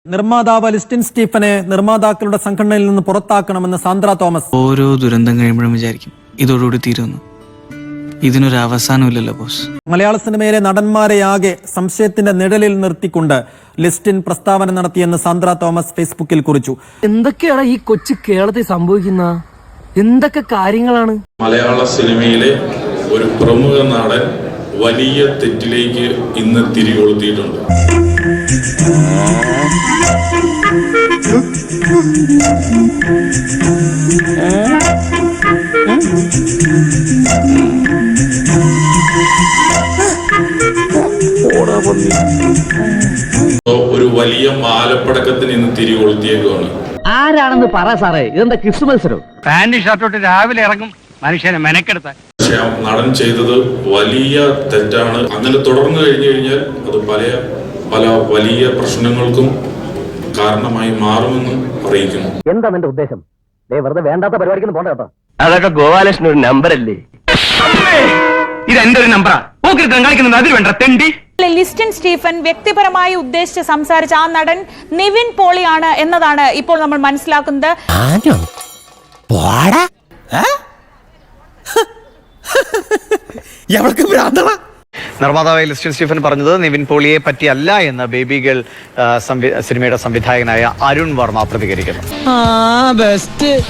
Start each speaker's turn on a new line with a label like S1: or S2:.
S1: നിർമ്മാതാവ് ലിസ്റ്റിൻ സ്റ്റീഫനെ നിർമ്മാതാക്കളുടെ സംഘടനയിൽ നിന്ന് പുറത്താക്കണമെന്ന് സാന്ദ്ര തോമസ്.
S2: ഓരോ ദുരന്തം കഴിയുമ്പോഴും വിചാരിക്കും ഇതോടുകൂടി തീരുന്നു. ഇതിനൊരു അവസാനമില്ലല്ലോ ബോസ്.
S1: മലയാള സിനിമയിലെ നടന്മാരെയാകെ സംശയത്തിന്റെ നിഴലിൽ നിർത്തിക്കൊണ്ട് ലിസ്റ്റിൻ പ്രസ്താവന നടത്തിയെന്ന് സാന്ദ്ര തോമസ് ഫേസ്ബുക്കിൽ കുറിച്ചു.
S3: എന്തൊക്കെയാണ് ഈ കൊച്ചു കേരളത്തിൽ സംഭവിക്കുന്ന എന്തൊക്കെ കാര്യങ്ങളാണ്?
S4: മലയാള സിനിമയിലെ ഒരു പ്രമുഖ നടൻ വലിയ തെറ്റിലേക്ക് ഇന്ന് തിരികൊളുത്തിയിട്ടുണ്ട്. ഒരു വലിയ മാലപ്പടക്കത്തിന് ഇന്ന് തിരികൊളുത്തിയേക്കുവാണ്.
S3: ആരാണെന്ന് പറ സാറേ, ഇതെന്താ ക്രിസ്തു മത്സരം?
S5: പാന്റ് ഷർട്ടോട്ട് രാവിലെ ഇറങ്ങും മനുഷ്യനെ മെനക്കെടുത്ത.
S4: പക്ഷെ ആ നടൻ ചെയ്തത് വലിയ തെറ്റാണ്. അങ്ങനെ തുടർന്നു കഴിഞ്ഞു കഴിഞ്ഞാൽ അത് പല വലിയ പ്രശ്നങ്ങൾക്കും കാരണമായി മാറുമെന്ന് അറിയിക്കുന്നു.
S3: എന്താ നിന്റെ ഉദ്ദേശം? വെറുതെ വേണ്ടാത്ത പരിപാടിക്ക് പോണ്ട കേട്ടോ.
S5: അതൊക്കെ ഗോപാലകൃഷ്ണൻ ഒരു നമ്പർ അല്ലേ? ഇത് എന്റെ ഒരു നമ്പറാ. കാണിക്കുന്നത് അതിൽ വേണ്ട തെണ്ടി.
S6: ലിസ്റ്റിൻ സ്റ്റീഫൻ വ്യക്തിപരമായി ഉദ്ദേശിച്ച് സംസാരിച്ച ആ നടൻ നിവിൻ പോളിയാണ് എന്നതാണ് ഇപ്പോൾ നമ്മൾ മനസ്സിലാക്കുന്നത്.
S7: നിർമ്മാതാവായ ലിസ്റ്റിൻ സ്റ്റീഫൻ പറഞ്ഞത് നിവിൻ പോളിയെ പറ്റിയല്ല എന്ന് ബേബി ഗേൾ സിനിമയുടെ സംവിധായകനായ അരുൺ വർമ്മ പ്രതികരിക്കുന്നു.